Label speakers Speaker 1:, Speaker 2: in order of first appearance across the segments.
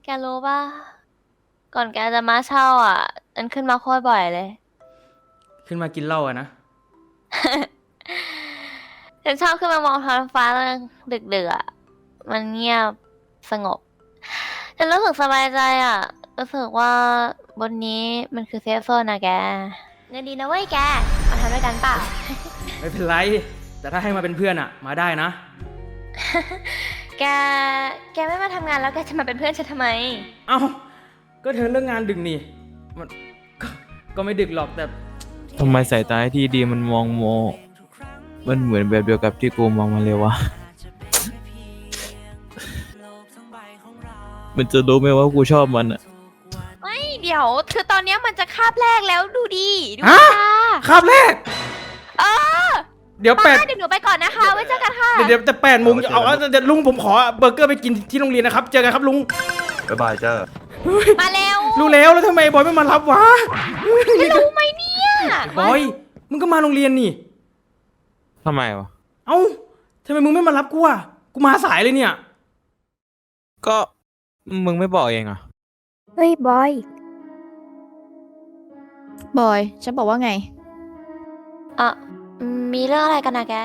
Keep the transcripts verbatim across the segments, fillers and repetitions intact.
Speaker 1: แกรู้ป่ะก่อนแกจะมาเช่าอ่ะฉันขึ้นมาโคตรบ่อยเลย
Speaker 2: ขึ้นมากินเหล้าอะนะ
Speaker 1: ฉันชอบขึ้นมามองท้องฟ้าตอนดึกๆอะมันเงียบสงบ ฉันรู้สึกสบายใจอ่ะ รู้สึกว่าบนนี้มันคือเซฟโซนนะแกเงินดีนะเว้ยแก มาทำด้วยกันเปล่า
Speaker 2: ไม่เป็นไร แต่ถ้าให้มาเป็นเพื่อนอะมาได้นะ
Speaker 1: แก แกไม่มาทำงานแล้วแกจะมาเป็นเพื่อนฉันทำไม
Speaker 2: เอ้า ก็เธอเลิกงานดึกนี่ มันก็ก็ไม่ดึกหรอกแต่
Speaker 3: ทำไมสายตาที่ดีมันมองโม มันเหมือนแบบเดียวกับที่กูมองมาเลยวะ มันจะรู้ไหมว่ากูชอบมันอะ
Speaker 1: ไม่เดี๋ยวคือตอนเนี้ยมันจะคาบแรกแล้วดูดีดู
Speaker 2: ฮะ
Speaker 1: ค่ะ
Speaker 2: คาบแรก
Speaker 1: เออ
Speaker 2: เดี๋ยว
Speaker 1: มา
Speaker 2: แปด
Speaker 1: เดี๋ยวหนูไปก่อนนะคะ ไว้เจอกันค่ะ
Speaker 2: เดี๋ยวเดี๋ยวจะแปดโมงเอาเอาเดี๋ยวลุงผมขอเบอร์เกอร์ไปกินที่โรงเรียนนะครับ เจอกันครับลุง
Speaker 4: บ๊ายบายเจ้า
Speaker 1: มาเร็ว
Speaker 2: รู้แล้วแล้วทำไมบอยไม่มารับวะ
Speaker 1: จะรู้ไหมเนี่ย
Speaker 2: บอย มึงก็มาโรงเรียนนี่
Speaker 3: ทำไมวะ
Speaker 2: เอ้าทำไมมึงไม่มารับกูอ่ะ กูมาสายเลยเนี่ย
Speaker 3: ก็มึงไม่บอกเองอะ
Speaker 5: เฮ้ยบอย
Speaker 6: บอย ฉันบอกว่าไง
Speaker 1: อ่ะมีเรื่องอะไรกันนะแก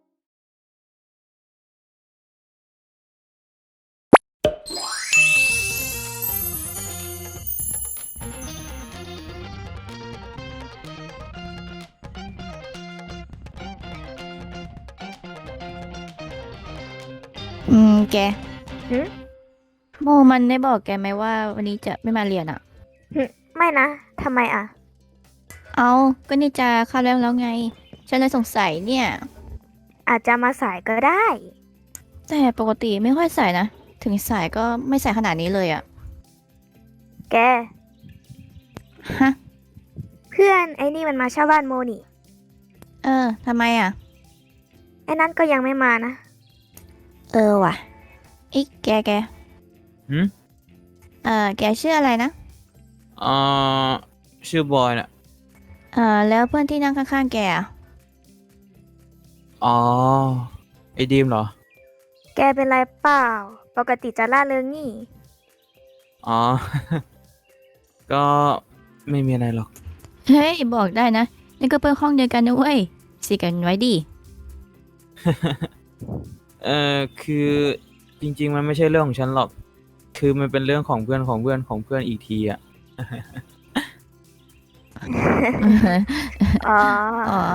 Speaker 6: อืม แก
Speaker 5: หึ
Speaker 6: โมมันได้บอกแกไหมว่าวันนี้จะไม่มาเรียนอ่ะ
Speaker 5: หึไม่นะ ทำไมอ่ะ
Speaker 6: เอาก็นี่จะเข้าแล้วแล้วไง ฉันเลยสงสัยเนี่ย
Speaker 5: อาจจะมาสายก็ได้
Speaker 6: แต่ปกติไม่ค่อยใส่นะ ถึงสายก็ไม่ใส่ขนาดนี้เลยอ่ะ
Speaker 5: แก
Speaker 6: ฮะ
Speaker 5: เพื่อนไอ้นี่มันมาเช่าบ้านโมนี่
Speaker 6: เออทำไมอ่ะ
Speaker 5: ไอ้นั่นก็ยังไม่มานะ
Speaker 6: เออว่ะอีกแกแก
Speaker 3: หืม
Speaker 6: เออแกชื่ออะไรนะ
Speaker 3: อ่าชื่อบอยน่ะ
Speaker 6: เออแล้วเพื่อนที่นั่งข้างๆแกอ่ะ
Speaker 3: อ๋อ ไอ้ดีมเหรอ
Speaker 5: แกเป็นไรเปล่า ปกติจะล่าเริงนี่
Speaker 3: อ๋อ ก็ไม่มีอะไรหรอก
Speaker 6: เฮ้ยบอกได้นะ นี่ก็เพื่อนห้องเดียวกันนะเว้ยสิกันไว้ดิ
Speaker 3: เออคือจริง ๆ มันไม่ใช่เรื่องของฉันหรอก คือมันเป็นเรื่องของเพื่อนของเพื่อนของเพื่อนอีกทีอะ
Speaker 5: อ๋อ
Speaker 6: อ๋อ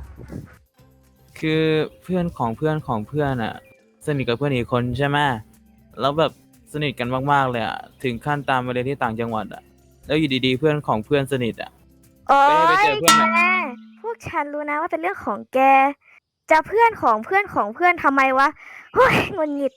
Speaker 3: คือเพื่อนของเพื่อนของเพื่อนอะสนิทกับเพื่อนอีกคนใช่ไหมแล้วแบบสนิทกันมากๆเลยอะถึงขั้นตามไปเรียนที่ต่างจังหวัดอะแล้วอยู่ดีๆเพื่อนของเพื่อนสนิทอะ
Speaker 5: โอ้
Speaker 3: ไป
Speaker 5: ย
Speaker 3: เจอเพื่อน
Speaker 5: แก
Speaker 3: ไหน
Speaker 5: พวกฉันรู้นะว่าเป็นเรื่องของแก จะเพื่อนของเพื่อนของเพื่อนทำไมวะเฮ้ยงุนหงิด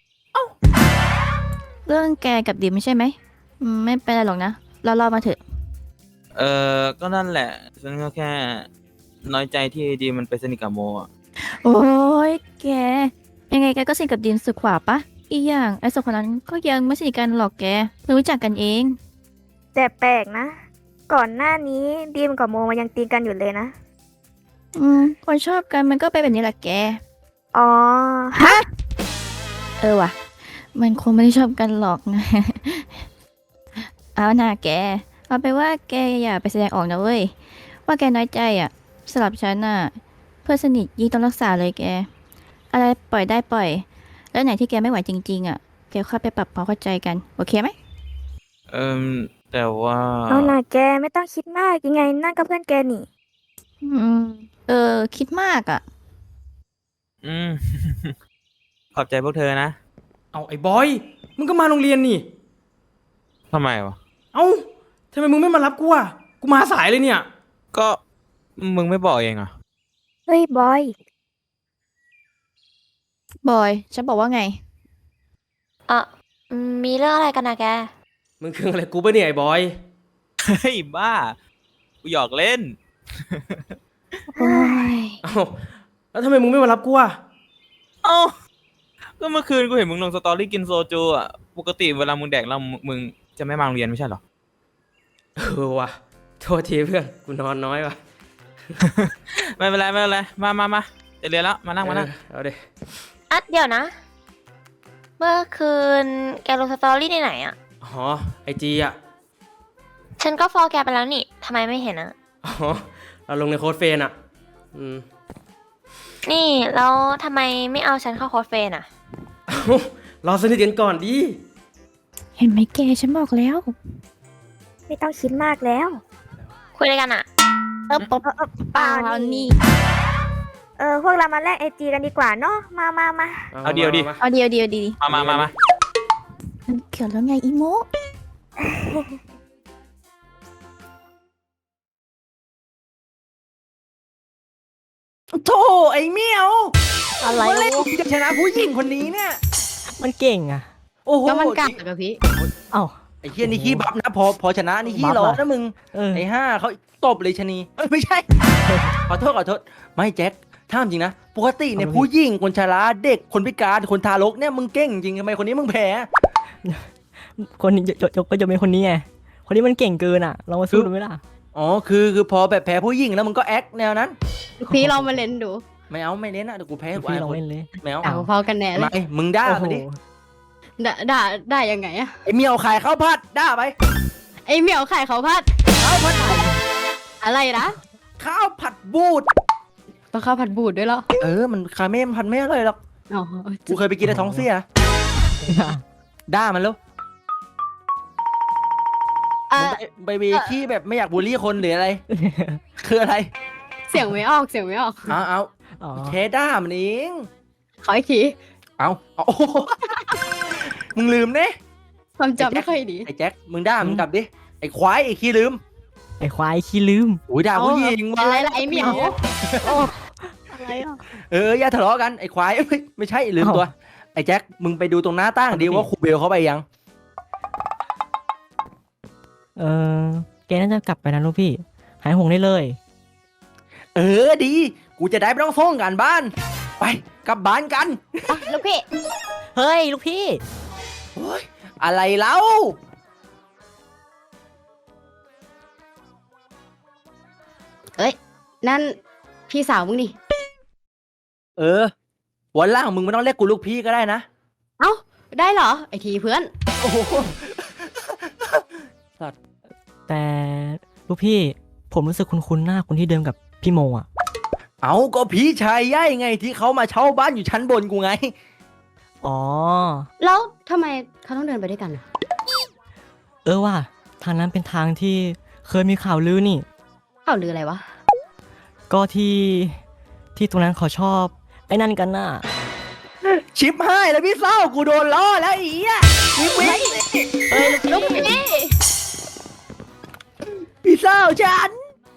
Speaker 6: เรื่องแกกับดิมใช่ไหมอืมไม่เป็นไรหรอกนะ เรารอมาเถอะ
Speaker 3: เออก็นั่นแหละ ฉันก็แค่น้อยใจที่ดีมันไปสนิทกับโมอะ
Speaker 6: โอ้ยแก ยังไงแกก็สนิทกับดิมสุดขวาปะ อีกอย่างไอ้สองคนนั้นก็ยังไม่สนิทกันหรอกแกเพิ่งรู้จักกันเอง
Speaker 5: แต่แปลกนะ ก่อนหน้านี้ดีมกับโมมันยังตีกันอยู่เลยนะ
Speaker 6: อืมคนชอบกันมันก็ไปนแบบนี้แหละแก
Speaker 5: อ๋อ ฮะ
Speaker 6: เออว่ะ มันคงไม่ได้ชอบกันหรอกนะ เอาหน่าแก เอาไปนว่าแกอย่าไปแสดงออกนะเว้ย ว่าแกน้อยใจอ่ะสำหรับฉันน่ะ เพื่อนสนิทยิ่งต้องรักษาเลยแก อะไรปล่อยได้ปล่อย แล้วไหนที่แกไม่ไหวจริงๆอ่ะ แกค่อยไปปรับความเข้าใจกัน โอเคไหม
Speaker 3: เออแต่ว่า
Speaker 5: เอาน่ะแกไม่ต้องคิดมากยังไงนั่นก็เพื่อนแกนี่
Speaker 6: อืม เออ คิดมากอ่ะ
Speaker 3: อืม ขอบใจพวกเธอนะ
Speaker 2: เอาไอ้บอย มึงก็มาโรงเรียนนี่
Speaker 3: ทำไมวะ
Speaker 2: เอ้าทำไมมึงไม่มารับกูอ่ะ กูมาสายเลยเนี่ย
Speaker 3: ก็มึงไม่บอกเองอะ
Speaker 5: เฮ้ยบอย
Speaker 6: บอย ฉันบอกว่าไง
Speaker 1: อ่ะมีเรื่องอะไรกันนะแก
Speaker 2: มึงคืออะไรกูปะเนี่ยไอ้บอย
Speaker 3: เฮ้ยบ้า กูหยอกเล่น
Speaker 6: โอ้ย
Speaker 2: เอ้าแล้วทำไมมึงไม่มารับกูอ่ะ
Speaker 3: เอ้า ก็เมื่อคืนกูเห็นมึงลงสตอรี่กินโซจูอ่ะ ปกติเวลามึงแดกแล้วมึงมึงจะไม่มาโรงเรียนไม่ใช่เหรอ
Speaker 2: เออว่ะ โทษทีเพื่อน กูนอนน้อยว่ะ
Speaker 3: ไม่เป็นไรไม่เป็นไร มามามาจะเรียนแล้ว มานั่งมานั่ง
Speaker 2: เออเอาดิ
Speaker 1: อ่ะเดี๋ยวนะ เมื่อคืนแกลงสตอรี่ในไหนอ่ะ
Speaker 2: อ๋อไอจีอ่ะ
Speaker 1: ฉันก็ฟอลแกไปแล้วนี่ทำไมไม่เห็นอะ
Speaker 2: อ๋อ เราลงในโค้ดเฟรนอ่ะ อืม
Speaker 1: นี่แล้วทำไมไม่เอาฉันเข้าโค้ดเฟรนด์อะ
Speaker 2: เอ้ารอสนิทกันก่อนดิ
Speaker 6: เห็นไหมแกฉันบอกแล้ว
Speaker 5: ไม่ต้องคิดมากแล้ว
Speaker 1: คุยอะไรกันอะ
Speaker 6: เออปบ
Speaker 5: เออเออ
Speaker 6: เปล่า
Speaker 5: เปล่านี่
Speaker 6: นี่
Speaker 5: เออพวกเรามาแลกไอจีกันดีกว่าเนาะมามามา
Speaker 3: เอาเดียวดิ
Speaker 2: มา
Speaker 6: เอาเดียวเดียวดีดี
Speaker 3: มามามามา
Speaker 6: มันเกี่ยวแล้วไงอีโม
Speaker 4: โธ่ไอ้เมียว
Speaker 7: อะไร
Speaker 4: เมื่อไหรมึงจะชนะผู้หญิงคนนี้เนี่ย
Speaker 7: มันเก่งอะ
Speaker 4: โอ้โห
Speaker 8: ก็มันกัดกับพี่
Speaker 7: เอ้า
Speaker 4: ไอ้เฮียนี่ขี้บัฟนะ พอพอชนะนี่ขี้
Speaker 7: บัฟ
Speaker 4: ร้อน
Speaker 7: อะ
Speaker 4: นะมึง
Speaker 7: เออ
Speaker 4: ไอ้ห้าเขาตบเลยชะนีเอ้ยไม่ใช่ ขอโทษขอโทษ ไม่แจ็คถ้ามจริงนะ ปกติเนี่ย
Speaker 7: เอามาดิ
Speaker 4: ผู้หญิงคนชราเด็กคนพิการคนทารกเนี่ยมึงเก่งจริงทำไมคนนี้มึงแพ้
Speaker 7: คนนี้ยกยกก็จะเป็นคนนี้ไง คนนี้มันเก่งเกินอะลองมาสู้ดูไหมล่ะ
Speaker 4: อ๋อคือคือพอแบบแพ้ผู้หญิงแล้วมึงก็แอคแนวนั้น
Speaker 8: พี่ลองมาเล่นดู
Speaker 4: ไม่เอาไม่เล่นนะเดี๋ยวกูแพ้กู
Speaker 7: พี่
Speaker 4: อาย
Speaker 7: ลอง
Speaker 4: คน
Speaker 7: เล่นเลย
Speaker 4: ไม่เอา
Speaker 8: ด่าพอกันแน่เล
Speaker 4: ไม่
Speaker 8: ย
Speaker 4: มึงด่า
Speaker 7: โอ้โห
Speaker 4: มาดิ
Speaker 8: ด่าด่าด่ายังไงอะ
Speaker 4: ไอ้เมียวขายข้าวผัดด่าไป
Speaker 8: ไอเหมียวไข่เขาพัด
Speaker 4: ข้าวผัด
Speaker 8: อะไรนะ
Speaker 4: ข้าวผัดบูด
Speaker 8: ต้องข้าวผัดบูดด้วยเหรอ
Speaker 4: เออมันคาเม่มันผัดไม่อร่อยหรอก
Speaker 8: อ๋อ
Speaker 4: กูเคยไปกินในท้องเสียด่ามันแล้ว
Speaker 8: อ่ะ
Speaker 4: มึงไปไปเวที่แบบไม่อยากบูลลี่คนหรืออะไร คืออะไร
Speaker 8: เสียงไม่ออกเสียงไม่ออก
Speaker 4: เอาเอา
Speaker 7: อ๋อ
Speaker 4: แค่ด่ามันเอง
Speaker 8: ขออีกที
Speaker 4: เอาเอาโอ้โหมึงลืมเนี่ย
Speaker 8: ความจำไม่ค่อยดี
Speaker 4: ไอ้แจ็คมึงด่ามึงกลับดิไอ้ควายไอ้ขี้ลืม
Speaker 7: ไอ้ควายขี้ลืม
Speaker 4: อุ้ยด่าผู้หญิง
Speaker 8: อะไร
Speaker 4: วะ
Speaker 8: ล่ะไอเหมียว
Speaker 7: อะไรอ่ะ
Speaker 4: เอออย่าทะเลาะกันไอ้ควายเอ้ยไม่ใช่ลืมตัว ไอ้แจ็คมึงไปดูตรงหน้าตั้งดิว่าครูเบลเขาไปยัง
Speaker 7: เออแกน่าจะกลับไปนะลูกพี่ หายห่วงได้เลย
Speaker 4: เออดี กูจะได้ไม่ต้องส่งกันบ้าน ไปกลับบ้านกัน
Speaker 8: ลูกพี่
Speaker 7: เฮ้ยลูกพี่
Speaker 4: โอ๊ยอะไรเล่า
Speaker 8: นั่นพี่สาวมึงนี่
Speaker 4: เออวันหล่างมึงไม่ต้องเรียกกูลูกพี่ก็ได้นะ
Speaker 8: เอ้าได้เหรอไอทีเพื่อน
Speaker 4: โอ้โห
Speaker 7: แต่ลูกพี่ ผมรู้สึกคุ้นๆหน้าคนที่เดิมกับพี่โมอ่ะ
Speaker 4: เอาก็พี่ชายย่ายไงที่เขามาเช่าบ้านอยู่ชั้นบนกูไง
Speaker 7: อ๋อ
Speaker 8: แล้วทำไมเขาต้องเดินไปด้วยกันอะ
Speaker 7: เออว่าทางนั้นเป็นทางที่เคยมีข่าวลือนี่
Speaker 8: ข่าวลืออะไรวะ
Speaker 7: ก็ที่ที่ตรงนั้นเขาชอบ ไอ้นั่นกันน่ะ
Speaker 4: ชิปให้แล้วพี่เศร้ากูโดนล้อแล้วอีอ่ะชิปวิ่ง
Speaker 7: เอ้ย
Speaker 8: ลูกพี่
Speaker 4: พี่เศร้าฉัน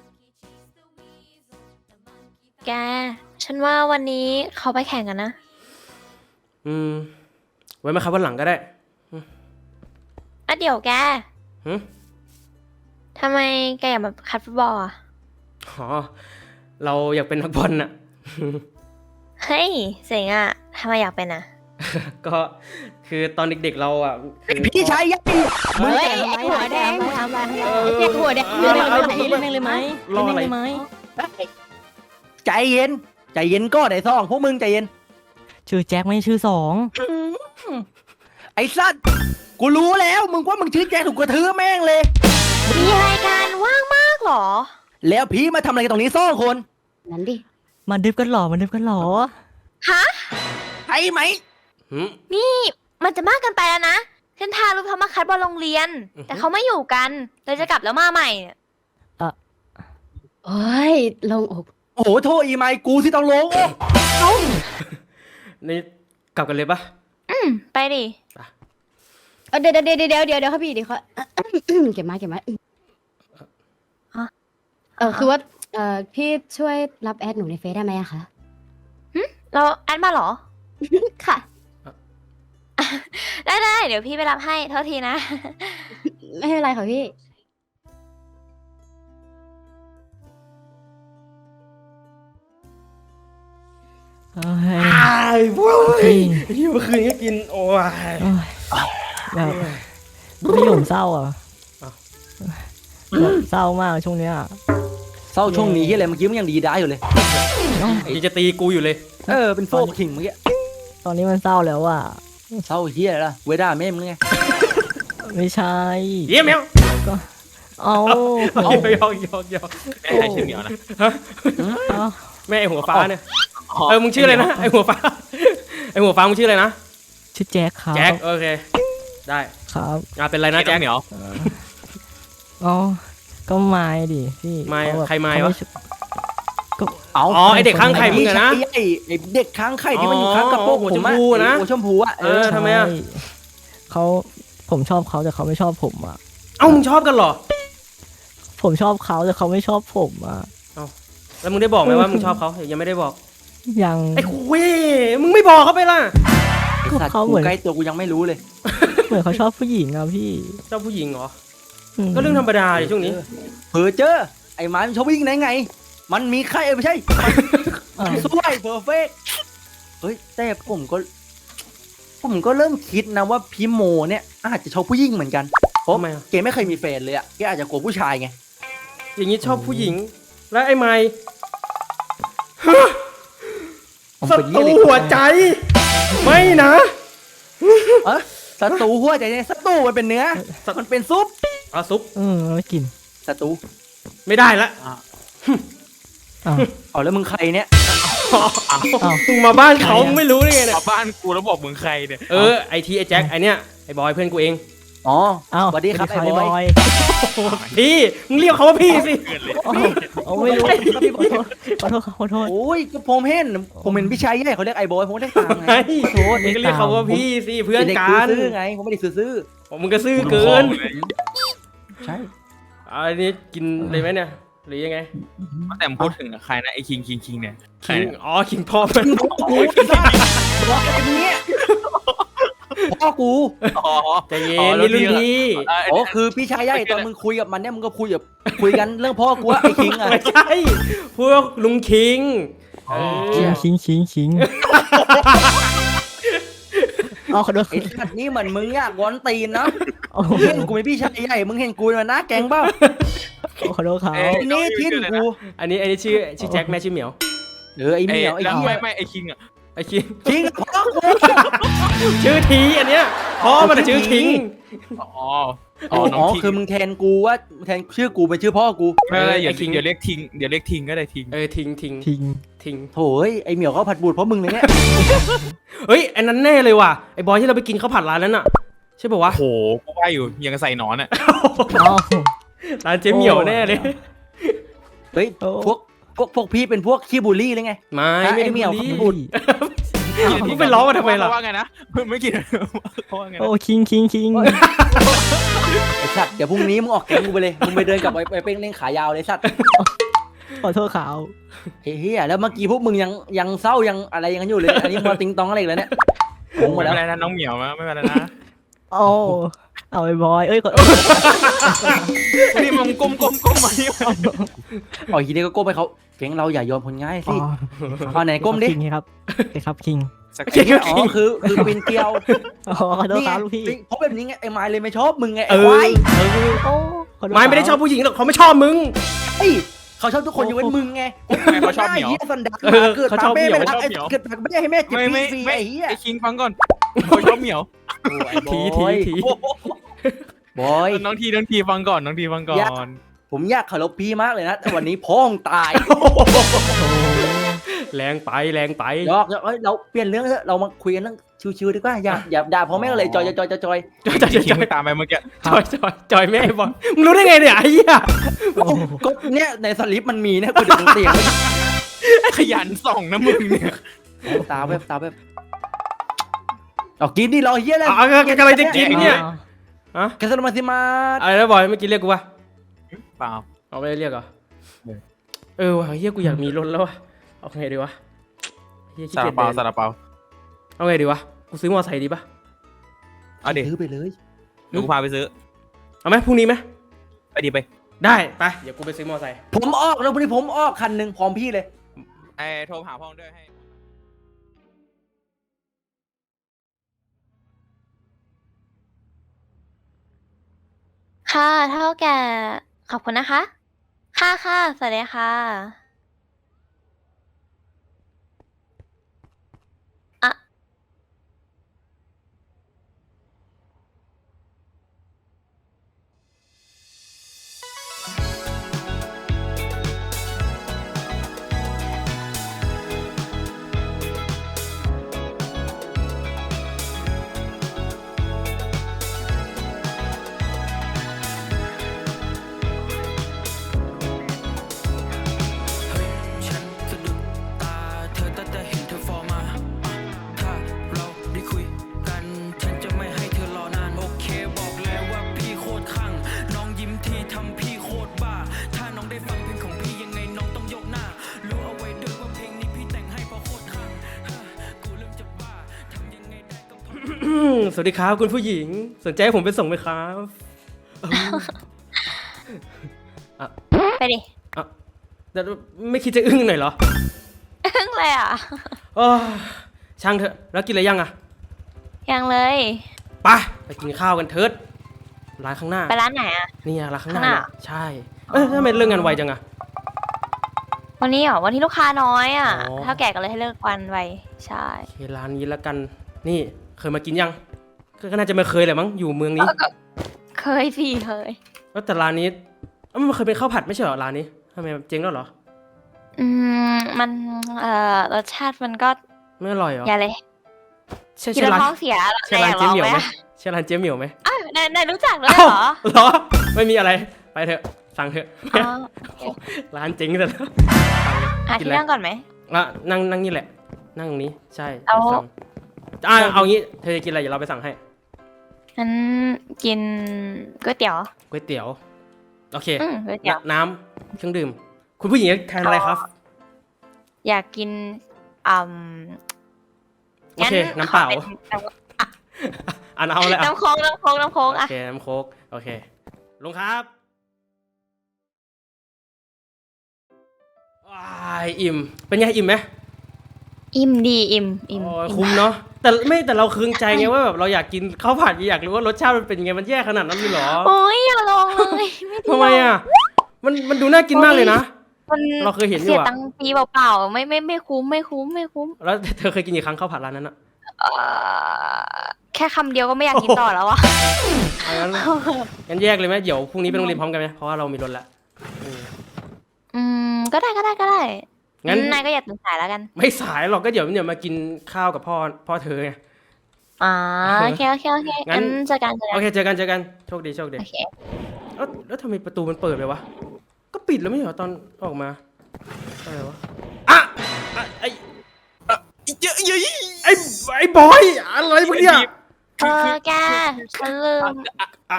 Speaker 1: แก ฉันว่าวันนี้เขาไปแข่งกันนะ
Speaker 2: อืม ไว้มาครับวันหลังก็ได้
Speaker 1: อ่ะเดี๋ยวแก
Speaker 2: หึ
Speaker 1: ทำไมแกอยากมาคัดฟุตบอลอะ
Speaker 2: อ๋อ เราอยากเป็นนักบอลน่ะ
Speaker 1: เฮ้ยเจ๋งอะทำไมอยากเป็นอะ
Speaker 2: ก็คือตอนเด็กๆเราอ่ะคือ
Speaker 4: พี่ชายย่ายมึง
Speaker 8: เฮ้ยไอหัวแดง
Speaker 7: ทำอะไร
Speaker 2: เออ
Speaker 8: ไอเด็กหัวแดง
Speaker 7: เล่นเลยไหมเล่นเลยไหม
Speaker 2: รอ
Speaker 7: เล่น
Speaker 2: อะไร
Speaker 7: เลยไหม
Speaker 4: ใจเย็น ใจเย็นก็ได้ซองพวกมึงใจเย็น
Speaker 7: ชื่อแจ็คไม่ใช่ชื่อสอง
Speaker 4: ไอ้สัตว์กูรู้แล้วมึงว่ามึงชื่อแจ็คถูกกระทืบแม่งเลย
Speaker 1: มีรายการว่างมากเหรอ
Speaker 4: แล้วพี่มาทำอะไรกันตรงนี้ซ่องคน
Speaker 8: นั้นดิ
Speaker 7: มันดึบกันหรอมันดึบกันหรอ
Speaker 1: ฮะ
Speaker 4: ใช่ไหม
Speaker 2: หึ
Speaker 1: นี่มันจะมากเกินไปแล้วนะฉันทารู้เขามาคัดบอลโรงเรียน
Speaker 2: อือฮึ
Speaker 1: แต่เขาไม่อยู่กันเลยจะกลับแล้วมาใหม่เนี่ย
Speaker 8: โอ้ยลงอก
Speaker 4: โอ้โหโทษอีไมค์กูที่ต้องลงโอ้
Speaker 2: นี่กลับกันเลยปะ
Speaker 1: อืมไปดิ
Speaker 8: เอ้าเดี๋ยวเดี๋ยวเดี๋ยวเดี๋ยวเดี๋ยวครับพี่เดี๋ยวเขา เก็บมาเก็บมา
Speaker 1: ฮะ
Speaker 8: เออคือว่าเออพี่ช่วยรับแอดหนูในเฟซได้ไหมอะคะ
Speaker 1: เราแอดมาเหรอ
Speaker 8: ค่ะ
Speaker 1: ได้ได้เดี๋ยวพี่ไปรับให้เท่าทีนะ
Speaker 8: ไม่เป็นไรค่ะพี่
Speaker 7: เอ้ย
Speaker 2: ไอ้พวก
Speaker 7: จริง
Speaker 2: ที่เมื่อคืนก็กิน โอ้ย
Speaker 7: เอ้ยแบบพี่ผมเศร้าอ่ะ
Speaker 2: อ้าว
Speaker 7: แบบเศร้ามากช่วงเนี้ย
Speaker 4: เศร้าช่วงนี้ที่อะไรเมื่อกี้มันยังดีได้อยู่เลย
Speaker 2: ยังจะตีกูอยู่เลย
Speaker 4: เออเป็นโฟกขิงเมื่อกี้
Speaker 7: ตอนนี้มันเศร้าแล้วอ่ะ
Speaker 4: เศร้าเฮียอะไรล่ะเวด้าแม่มึงไง
Speaker 7: ไม่ใช่
Speaker 2: เยี่ยมแมว
Speaker 7: เอา
Speaker 2: เอายอกยอกยอก
Speaker 3: ไม่ใช่ชื่อเหมียวนะ
Speaker 7: เอา
Speaker 2: แม่ไอหัวฟ้าเนี่ยเออมึงชื่ออะไรนะไอหัวฟ้าไอหัวฟ้ามึงชื่ออะไรนะ
Speaker 7: ชื่อแจ็คครับ
Speaker 2: แจ็คโอเคได้
Speaker 7: ครับ
Speaker 2: อ่ะเป็นไรนะ
Speaker 3: น้
Speaker 2: แจ็
Speaker 3: อ
Speaker 2: ค
Speaker 3: งเหมียว
Speaker 7: อ๋อก็ไม้ดิพี่
Speaker 2: ไม้
Speaker 7: เขาแบบ
Speaker 2: ใครไม้
Speaker 7: เขา
Speaker 2: วะ
Speaker 7: ชอบ
Speaker 4: เอา
Speaker 2: อ๋อไอเด็กข้างไข่มึงอะนะ
Speaker 4: ไอ้ไอ้เด็กค้างไข่ที่มันอยู่ข้างกระโปรง
Speaker 2: อ๋อหัว
Speaker 4: ผมอะ
Speaker 2: ชมพูอะนะ
Speaker 4: หัวชมพูอะ
Speaker 2: เออทำไมอะ
Speaker 7: ใช่เขาผมชอบเขาแต่เขาไม่ชอบผมอ่ะ
Speaker 2: เอ้ามึงชอบกันเหรอ
Speaker 7: ผมชอบเขาแต่เขาไม่ชอบผมอ่ะ
Speaker 2: แล้วมึงได้บอกไหมว่ามึงชอบเขายังไม่ได้บอก
Speaker 7: ยัง
Speaker 2: ไอ้คุยมึงไม่บอกเขาไปล่ะ
Speaker 4: ไอ้สัตว์
Speaker 7: เขา
Speaker 4: กู
Speaker 7: เหมือน
Speaker 4: ใกล้ตัวกูยังไม่รู้เลย
Speaker 7: เหมือนเขาชอบผู้หญิงอ่ะพี่
Speaker 2: ชอบผู้หญิงเหรอ
Speaker 7: ม
Speaker 2: ก็เรื่องธรรมดาดิช่วงนี้
Speaker 4: เพอเจอไอ้หมามันชอบวิ่งไหนไง มันมีใครเออไม่ใช่
Speaker 7: อ่ะ
Speaker 4: สวยเพอร์เฟกเฮ้ยแต่ผมก็ ผมก็เริ่มคิดนะว่าพี่โมเนี่ยอาจจะชอบผู้หญิงเหมือนกันเพราะ
Speaker 2: ทำไมอะ
Speaker 4: เกไม่เคยมีแฟนเลยอะแกอาจจะกลัวผู้ชายไง
Speaker 2: อย่างนี้ชอบผู้หญิง แล้วไอ้ไม้
Speaker 4: ผม
Speaker 2: ศั
Speaker 4: เป็น
Speaker 2: ตรู
Speaker 4: เหี้ยเลย
Speaker 2: หัวใจ ไม่นะ
Speaker 4: เออศัตรูหัวใจเนี่ยศัตรูมันเป็นเนื้อ มันเป็นซุป
Speaker 2: เอาซุป
Speaker 7: เออไม่กิน
Speaker 4: ศัตรู
Speaker 2: ไม่ได้ละ
Speaker 7: อ้าว
Speaker 4: เอาแล้วมึงใครเนี่ย
Speaker 2: มึงมาบ้านเขามึงไม่รู้ได้ไงเนี่ย
Speaker 3: มาบ้านกูแล้วบอกมึงใครเนี่ย
Speaker 2: เออไอทีไอแจ็คไอเนี้ยไอบอยเพื่อนกูเอง
Speaker 4: อ๋อ
Speaker 7: อ้าว
Speaker 4: สวัสดีครับไอ้บอย
Speaker 7: ย
Speaker 2: พี่มึงเรียกเขาว่าพี่สิ
Speaker 3: เกิดเลย
Speaker 7: เอาไม่รู้ขอโทษขอโทษขอโทษ
Speaker 4: โอ้ยก็ผมเห็นผมเห็นพี่ชายใหญ่เขาเรียกไอ้บอยผมก็เรียกตามไง
Speaker 2: ไอ้
Speaker 4: โทษ
Speaker 2: มึงก็เรียกเขาว่าพี่สิเพื่อน
Speaker 4: ด็
Speaker 2: กัน
Speaker 4: ซื้อๆไงผมไม่ได้ซื้อ
Speaker 2: ผมมึงก็ซื่อเกิน
Speaker 4: ๆใช่
Speaker 2: เอาอันนี้กินเลยไหมเนี่ยหรือยังไง
Speaker 3: แต่พูดถึงใครนะไอ้คิงคิงคิงเนี่ยใคร
Speaker 2: คิง
Speaker 3: เนี่ย
Speaker 2: อ๋อคิงพ่อมัน
Speaker 4: โอ้ยซ่าบอกไอ้เนี่ยพ่อกู
Speaker 3: อ๋อ
Speaker 2: ใจเย็นนี่รุ่นพี่
Speaker 4: อ๋อคือพี่ชายใหญ่ตอนมึงคุยกับมันเนี่ยมึงก็คุยกับคุยกันเรื่องพ่อกูอะไอ้คิงอะ
Speaker 2: ไม่ใช่พวกลุงคิงเอ
Speaker 7: ชิง
Speaker 2: อ
Speaker 7: ชิงชิงชิงเอาขอโทษ
Speaker 4: ไอ้สัตว์นี่เหมือนมึงอยากวอนตีนนะ
Speaker 7: เอา
Speaker 4: มึงเห็นกูเป็นพี่ชายใหญ่มึงเห็นกูมันหน้าแก๊งเปล่า
Speaker 7: ขอโทษเขา
Speaker 4: ทีนี้ทิ้นกู
Speaker 2: อันนี้อันนี้ชื่อชื่อแจ็คแม่ชื่อเหมียว
Speaker 4: เออไอ้เหมียวไอ้
Speaker 3: แล้ว
Speaker 4: เหี้
Speaker 3: ไม่
Speaker 4: ย
Speaker 3: ไม่ไอ้คิงอ่ะ
Speaker 2: ไอ้คิง
Speaker 4: คิงพ่อกู
Speaker 2: ชื่อทีอันเนี้ยพ่อมันอะชื่อคิง
Speaker 3: อ๋อ
Speaker 4: อ๋
Speaker 3: อ๋อน้อง
Speaker 4: อ
Speaker 3: คิง
Speaker 4: คือมึงแทนกูว่าแทนชื่อกูเป็นชื่อพ่อกู
Speaker 3: ไม่ไม่อย่า
Speaker 2: ไอ้คิง
Speaker 3: เดี๋ยวเรียกทิงเดี๋ยวเรียกทิงก็ได้ทิง
Speaker 2: เออทิงทิง
Speaker 7: ทิ้ง
Speaker 2: ทิง
Speaker 4: โถ่เอ้ยไอ้เหมียวเขาผัดบูดเพราะมึงเลยเนี่ย
Speaker 2: เฮ้ยอันนั้นแน่เลยว่ะไอ้บอยที่เราไปกินข้าวผัดร้านนั้นอ่ะใช่ป่าวะ
Speaker 3: โอ้โหกูว่าอยู่ยังกับใส่หนอนอ่ะ
Speaker 7: เอา
Speaker 2: ร้านเจ๊เหมียวแน่เลย
Speaker 4: เฮ้ย
Speaker 7: โอ้
Speaker 4: พวกพวกพวกพี่เป็นพวกขี้บูลลี่เลยไง
Speaker 2: ไม่
Speaker 4: อ่ะ
Speaker 2: ไม่
Speaker 4: ไอ้
Speaker 2: ได้
Speaker 4: เหมียว
Speaker 2: บูลลี่
Speaker 4: เขาพูด
Speaker 2: มึงไปล้อมันทำไมล่ะ
Speaker 3: เขาว่าไงนะไม่กินเขาว่าไง
Speaker 7: โอ้
Speaker 3: นะ
Speaker 7: คิงคิงคิง
Speaker 4: ไอ้สัตว์เดี๋ยวพรุ่งนี้มึงออกแก๊งกูไปเลยมึงไปเดินกับไอ้ไอ้เป้งเล่งขายาวเลยสัตว์
Speaker 7: ขอโทษเขา
Speaker 4: เฮียแล้วเมื่อกี้พวกมึงยังยังเศร้ายังอะไรยังกันอยู่เลยอันนี้มาติงตองอะไรอีกแล้วเนี่ยงงหม
Speaker 3: ไม่
Speaker 4: ดแล้ว
Speaker 3: เป็นไรนะน้องเหมียวนะไม่เป็นไรนะ
Speaker 7: โอ้เอาไอ้บอยเอ้ยขอ
Speaker 3: นี่มึงก้มก้มก้มมาที่
Speaker 4: อ๋อทีนี้ก็ก้มไปเขาแก๊งเราอย่ายอมคนง่าย
Speaker 7: อ๋
Speaker 4: สิ
Speaker 7: อ
Speaker 4: เอาไหนก้มดิ
Speaker 7: คิงครับโอเคครับคิง
Speaker 3: สัก
Speaker 2: เจ๊ก็
Speaker 4: อ๋อ
Speaker 2: คิง
Speaker 4: คือคือปีนเกลียว
Speaker 7: อ๋อขอโทษ
Speaker 4: นี่
Speaker 7: ค
Speaker 4: ไง
Speaker 7: รับลูกพี่
Speaker 4: เพราะแบบนี้ไงไอ้ไม้เลยไม่ชอบมึงไง
Speaker 2: เอ
Speaker 4: ไอ้
Speaker 2: อ
Speaker 4: ควาย
Speaker 2: เออ
Speaker 7: โอ้ขอโทษ
Speaker 2: ไม่ไม่ได้ชอบผู้หญิงหรอกเขาไม่ชอบมึง
Speaker 4: เฮ้ยเขาชอบทุกคนยกเว้นมึงไง
Speaker 3: ไม่เขาชอบเหมียว
Speaker 4: ไอ้สันดาน
Speaker 2: เออ
Speaker 4: เกิด
Speaker 2: เขา
Speaker 4: ปา
Speaker 2: ชอบ
Speaker 4: เป้
Speaker 2: เหมียว
Speaker 4: ไม่รัก
Speaker 3: เขาชอบ
Speaker 4: ไอ้
Speaker 3: เหมียว
Speaker 4: เกิดปากไม่ได้ให้แม่เจ็บ
Speaker 3: ไม่ไม่
Speaker 4: ฟรีๆ
Speaker 3: ไม่
Speaker 4: ไอ้เหี้ย
Speaker 3: ไอ้คิงฟังก่อนเขาชอบเหมียว
Speaker 4: โอ้ไอ้บ
Speaker 2: ที
Speaker 4: อ
Speaker 2: ที
Speaker 4: ย
Speaker 2: ที
Speaker 4: บอย
Speaker 3: น้องทีน้องทีฟังก่อนน้องทีฟังก่อน
Speaker 4: ผมอยากเคารพพี่มากเลยนะแต่วันนี้พ้องตาย
Speaker 2: แรงไปแรงไป
Speaker 4: ยอกยอกเอ้ยเราเปลี่ยนเรื่องเถอะเรามาคุยกันเรื่องชิวๆดีกว่าอย่าอย่าด่าพ่อแม่เลยจอยจอยจอยจอย
Speaker 2: จอยจอย
Speaker 3: คิ
Speaker 2: จ
Speaker 3: ง
Speaker 2: อย
Speaker 3: ไม่ตามไปเมื่อกี้
Speaker 2: จอยจอยจอยแม่บอลมึงรู้ได้ไงเนี่ยไอ้เหี้ย
Speaker 4: ก็เนี่ยในสลิปมันมีเนี่ยกูจะเตียงไว้
Speaker 3: ขยันส่องนะมึงเนี่ย
Speaker 4: ตาแบบตาแบบเอากินดิรอเฮียเลย
Speaker 2: เอาเอากำลังจะกินเนี่ย อะ
Speaker 4: แคสโนมาซิมา
Speaker 2: อะไรนะบอยเมื่อกี้เรียกกูปะ
Speaker 3: เปล่า
Speaker 2: เอาไม่ได้เรียกเหรอ
Speaker 3: เออ
Speaker 2: เออว่ะเฮียกูอยากมีรถแล้ววะเอาไงดีวะเฮียขี้
Speaker 3: ซา
Speaker 2: เกี
Speaker 3: ลาย
Speaker 2: จ
Speaker 3: เปา
Speaker 2: เดิน
Speaker 3: ซาลาเปา
Speaker 2: เอาไงดีวะกูซื้อมอเตอร์ไซค์ดีปะ
Speaker 3: เอาดิ
Speaker 4: ซื้อไปเลย
Speaker 3: เดี๋ยวกูพาไปซื้อ
Speaker 2: เอาไหมพรุ่งนี้ไหม
Speaker 3: ไปดีไป
Speaker 2: ได้ไปเดี๋ยวกูไปซื้อมอเตอร์ไซค์
Speaker 4: ผมออกแล้ววันนี้ผมออกคันหนึ่งพร้อมพี่เลย
Speaker 3: ไอ้โทรหาพ่อด้วยให้
Speaker 1: ค่ะเท่าแก่ขอบคุณนะคะ ค่ะค่ะสวัสดีค่ะอะ
Speaker 2: สวัสดีครับคุณผู้หญิงสนใจให้ผมไปส่งไหมครับอ่ะ
Speaker 1: ไปดิ
Speaker 2: อ่ะแต่ไม่คิดจะอึ้งหน่อยเหรอ
Speaker 1: อึ้งเลยอ่ะ
Speaker 2: โอ้ช่างเถอะแล้วกินอะไรยังอ่ะ
Speaker 1: ยังเลย
Speaker 2: ไปไปกินข้าวกันเถิดร้านข้างหน้า
Speaker 1: ไปร้านไหนอ่ะ
Speaker 2: นี่อะร้านข้างหน้า
Speaker 1: ข้างหน้า
Speaker 2: เนี่ยใช่เอ้ยทำไมเรื่องงานไวจังอะ
Speaker 1: วันนี้เหรอวันที่ลูกค้าน้อยอ่ะ
Speaker 2: อ๋อ
Speaker 1: เท่าแก่ก็เลยให้เลิกวันไวใช่
Speaker 2: โอเคร้านนี้แล้วกันนี่เคยมากินยังก็ก็น่าจะไม่เคยแหละมั้งอยู่เมืองนี้
Speaker 1: เคยสิเคย
Speaker 2: แล้วแต่ร้านนี้เอ้ามันเคยเป็นข้าวผัดไม่ใช่เหรอร้านนี้ทำไมเจ๊งแล้วเหรอ
Speaker 1: อืมมันเอ่อรสชาติมันก็
Speaker 2: ไม่อร่อยเหรอ
Speaker 1: อย่าเลย
Speaker 2: ใช่
Speaker 1: กิน
Speaker 2: ใช่
Speaker 1: แล้ว
Speaker 2: ร้าน
Speaker 1: ท้องเสีย
Speaker 2: ใช่ร้านเจ๊เหมียวไหม
Speaker 1: อะ
Speaker 2: ใช่ร้านเจ๊เหมียวไหม
Speaker 1: อ้าวนายนายรู้จักด้วย
Speaker 2: อ้าว
Speaker 1: เหรอ
Speaker 2: เหรอไม่มีอะไรไปเถอะสั่งเถอะ
Speaker 1: อ๋อ
Speaker 2: ร้านเจ๊งแต่แล้ว
Speaker 1: อ่ะ
Speaker 2: กิน
Speaker 1: ที่
Speaker 2: อะไร
Speaker 1: นั่งก่อนไหม
Speaker 2: อ่ะนั่งนั่งนี่แหละ นั่งตรงนี้ใช่
Speaker 1: เอา
Speaker 2: สั่งอ่ะเอางี้เธอจะกินอะไรเดี๋ยวเราไปสั่งให้
Speaker 1: งั้นกินก๋วยเตี๋ยว
Speaker 2: ก๋วยเตี๋ยวโอเค
Speaker 1: อืมก๋วยเตี๋ยว
Speaker 2: น้ำเครื่องดื่ม คุณผู้หญิงทานอะไรครับ
Speaker 1: อยากกินอืม
Speaker 2: โอเคน้ำเปล่า
Speaker 1: ขอเป็นน้ำ
Speaker 2: อ่านเอาเลยอ่ะ
Speaker 1: น้ำโค้งน้ำโค้งน้ำโค้ง
Speaker 2: โอ
Speaker 1: อ่ะ
Speaker 2: เคน้ำโค้กโอเคลุงครับว้ายอิ่มเป็นไงอิ่มไหม
Speaker 1: อิ่มดีอิ่มอิ่ม
Speaker 2: โอ้ย
Speaker 1: อิ่ม
Speaker 2: คุ้มเนาะแต่ไม่แต่เราเคืองใจไงว่าแบบเราอยากกินข้าวผัดอยากรู้ว่ารสชาติมันเป็นยังไงมันแย่ขนาดนั้นเลยเหรอ
Speaker 1: โอ้ยอย่าลองเลยไม่ดี
Speaker 2: ทำไมอ่ะมันมันดูน่ากินมากเลยนะ
Speaker 1: มัน
Speaker 2: เราเคยเห็นอยู่
Speaker 1: เสีย
Speaker 2: อะ
Speaker 1: ตังค์ฟรีเปล่าๆไม่ไม่ไม่คุ้มไม่คุ้มไม่คุ้ม
Speaker 2: แล้วเธอเคยกินกี่ครั้งข้าวผัดร้านนั้นอ่ะ
Speaker 1: เอ่อแค่คำเดียวก็ไม่อยากกินต่อแล้วอะ
Speaker 2: เอางั้นงั้นแยกเลยไหมเดี๋ยวพรุ่งนี้ไปโรงเรียนพร้อมกันไหมเพราะว่าเรามีรถละอืม
Speaker 1: อืมก็ได้ก็ได้ก็ได้
Speaker 2: งั้น
Speaker 1: นายก็อย่าตื่นสายแล้วกัน
Speaker 2: ไม่สายหรอกก็เดี๋ยวเดี๋ยวมากินข้าวกับพ่อพ่อเธอไง
Speaker 1: อ่าโอเคโอเคโอเค
Speaker 2: งั้
Speaker 1: งั้
Speaker 2: น
Speaker 1: นเจอกันเจอ
Speaker 2: โอ
Speaker 1: กัน
Speaker 2: เคเจอกันเจอกันโชคดีโชคดี
Speaker 1: โอเค
Speaker 2: แล้วแล้วทำไมประตูมันเปิดไปวะก็ปิดแล้วไม่ใช่เหรอตอนออกมาอะไรวะอ่ะอ่ะไอ้อ่ะเยอะเยอะไอ้ไอ้บอยอะไรมึงเนี่ย
Speaker 1: เออแกฉันลืม
Speaker 2: อ่ะ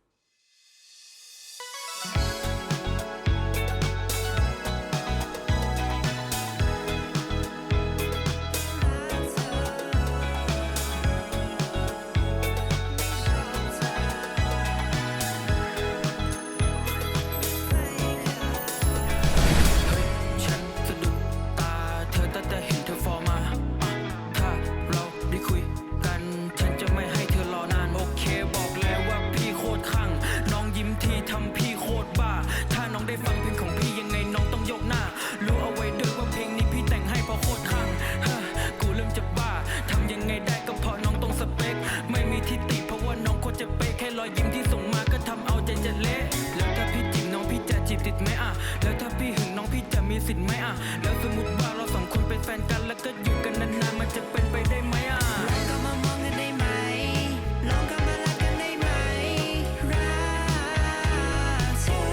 Speaker 9: ฉันสะดุดตาเธอตั้งแต่เห็นเธอฟอร์มาอ่ะถ้าเราได้คุยกันฉันจะไม่ให้เธอรอนานโอเคบอกเลยว่าพี่โคตรคลั่งน้องยิ้มทีทำพี่โคตรบ้าถ้าน้องได้ฟังเพลงของพี่ยังไงน้องต้องยกหน้ารู้เอาไว้ด้วยว่าเพลงนี้พี่แต่งให้เพราะโคตรคลั่งฮะกูเริ่มจะบ้าทำยังไงได้ก็เพราะน้องตรงสเปคไม่มีทิฏฐิเพราะว่าน้องโคตรจะเป๊ะแค่รอยยิ้มที่ส่งมาก็ทำเอาใจจะเละแล้วถ้าพี่จีบน้องพี่จะจีบติดไหมอ่ะแล้วถ้าพี่หึงน้องพี่จะมีสิทธิ์ไหมอ่ะแล้วสมมติว่าเราสองคนเป็นแฟนกันแล้วก็อยู่กันนานๆมันจะเป็นไปได้ไหมอ่ะลองก็มามองกันได้ไหมลองก็มารักกันได้ไหมรักเธอ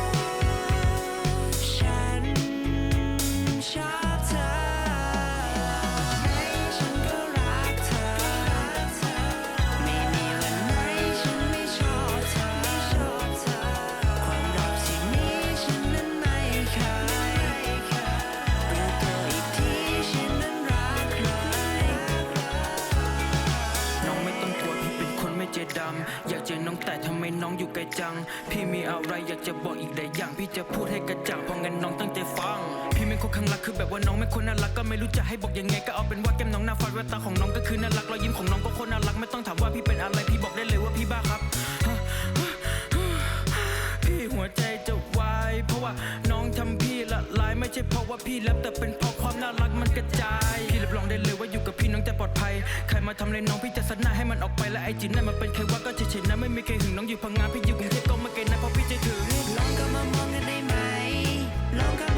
Speaker 9: ฉันชอบเธอให้ฉันก็รักเธอไม่มีวันไหนฉันไม่ชอบเธอความรักที่มีฉันนั้นไม่เคยรู้ตัวอีกทีฉันนั้นรักใครน้องไม่ต้องกลัวพี่เป็นคนไม่ใจดำอยากเจอน้องแต่ทำไมน้องอยู่ไกลจังพี่มีอะไรอยากจะบอกอีกหลายอย่างพี่จะพูดให้กระจ่างเพราะงั้นน้องตั้งใจฟังพี่ไม่คนข้างรักคือแบบว่าน้องไม่คนน่ารักก็ไม่รู้จะให้บอกยังไงก็เอาเป็นว่าแก้มน้องหน้าฟัดแววตาของน้องก็คือน่ารักรอยยิ้มของน้องก็คนน่ารักไม่ต้องถามว่าพี่เป็นอะไรพี่บอกได้เลยว่าพี่บ้าครับ พี่หัวใจจะวายเพราะว่าน้องทำพี่ละลายไม่ใช่เพราะว่าพี่แลบแต่เป็นเพราะความน่ารักมันกระจายพี่รับรองได้เลยว่าอยู่กับพี่น้องจะปลอดภัยใครมาทำอะไรน้องพี่จะซัดหน้าให้มันออกไปและไอจีนั่นมันเป็นใครว่าก็เฉยๆนะไม่มีใครหึงน้องอยู่พังงาพี่อยู่กรุงเทพก็ไม่ไกลนะเพราะพี่ใจถึงลองก็มามองกันได้ไหมลองก็